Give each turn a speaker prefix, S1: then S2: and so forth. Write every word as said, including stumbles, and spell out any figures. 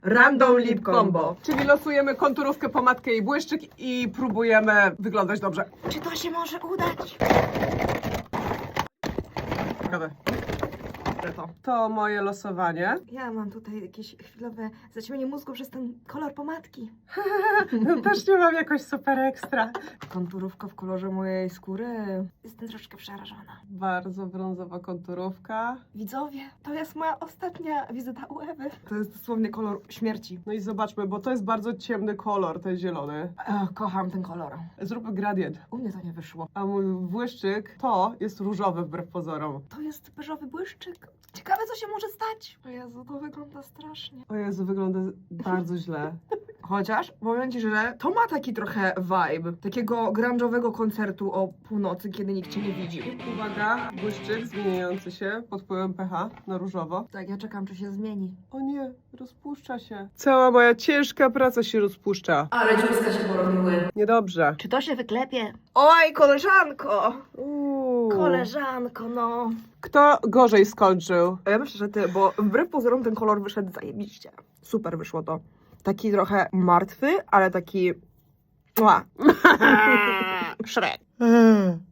S1: Random Lip Combo.
S2: Czyli losujemy konturówkę, pomadkę i błyszczyk i próbujemy wyglądać dobrze.
S1: Czy to się może udać?
S2: Ciekawe. To. to moje losowanie.
S1: Ja mam tutaj jakieś chwilowe zaćmienie mózgu przez ten kolor pomadki.
S2: Też nie mam jakoś super ekstra.
S1: Konturówka w kolorze mojej skóry. Jestem troszkę przerażona.
S2: Bardzo brązowa konturówka.
S1: Widzowie, to jest moja ostatnia wizyta u Ewy. To jest dosłownie kolor śmierci.
S2: No i zobaczmy, bo to jest bardzo ciemny kolor, ten zielony.
S1: Ech, kocham ten kolor.
S2: Zróbmy gradient.
S1: U mnie to nie wyszło.
S2: A mój błyszczyk to jest różowy wbrew pozorom.
S1: To jest beżowy błyszczyk. Ciekawe, co się może stać. O Jezu, to wygląda strasznie.
S2: O Jezu, wygląda bardzo źle.
S1: Chociaż, powiem Ci, że to ma taki trochę vibe takiego grunge'owego koncertu o północy, kiedy nikt Cię nie widzi.
S2: Uwaga, błyszczyk zmieniający się pod wpływem pH na różowo.
S1: Tak, ja czekam, czy się zmieni.
S2: O nie, rozpuszcza się. Cała moja ciężka praca się rozpuszcza.
S1: Ale dziurska się porobiły.
S2: Niedobrze.
S1: Czy to się wyklepie? Oj, koleżanko!
S2: Uuu.
S1: Koleżanko, no.
S2: Kto gorzej skończył?
S1: Ja myślę, że ty, bo wbrew pozorom ten kolor wyszedł zajebiście. Super wyszło to. Taki trochę martwy, ale taki... Mua. Szrek.